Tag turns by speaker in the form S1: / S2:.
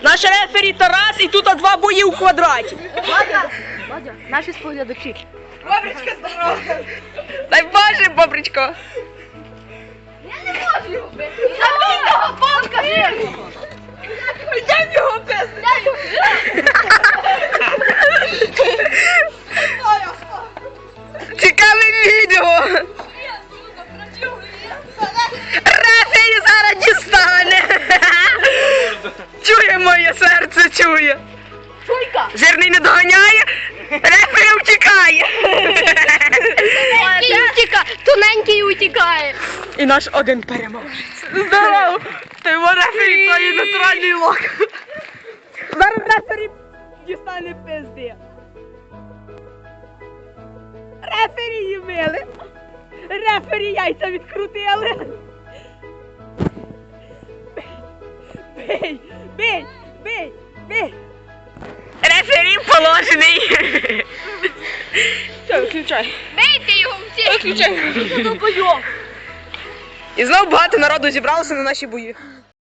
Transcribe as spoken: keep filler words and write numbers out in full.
S1: Наш рефері Тарас і тут два бої у квадраті.
S2: Владя, Владя, наші споглядачі.
S1: Бобричка, здорова. Дай Боже, Бобричко.
S2: Я не можу його бити. Забій того палка!
S1: Йдем його пизди. Цікаве відео. Рефері зараз дістане. Чує моє серце, чує.
S2: Чуйка!
S1: Жирний не доганяє, рефері втікає.
S2: Тоненький утікає, тоненький утікає.
S1: І наш один переможець. Здорово! Ти його рефері, то є натуральний лок. Зараз рефері дістане пизди. Рефері її били. Рефері яйця відкрутили. Бий, бий, бий, бий. Рефері положений. Все, виключай.
S2: Бейте його всі!
S1: Виключай. І знову багато народу зібралося на наші бої.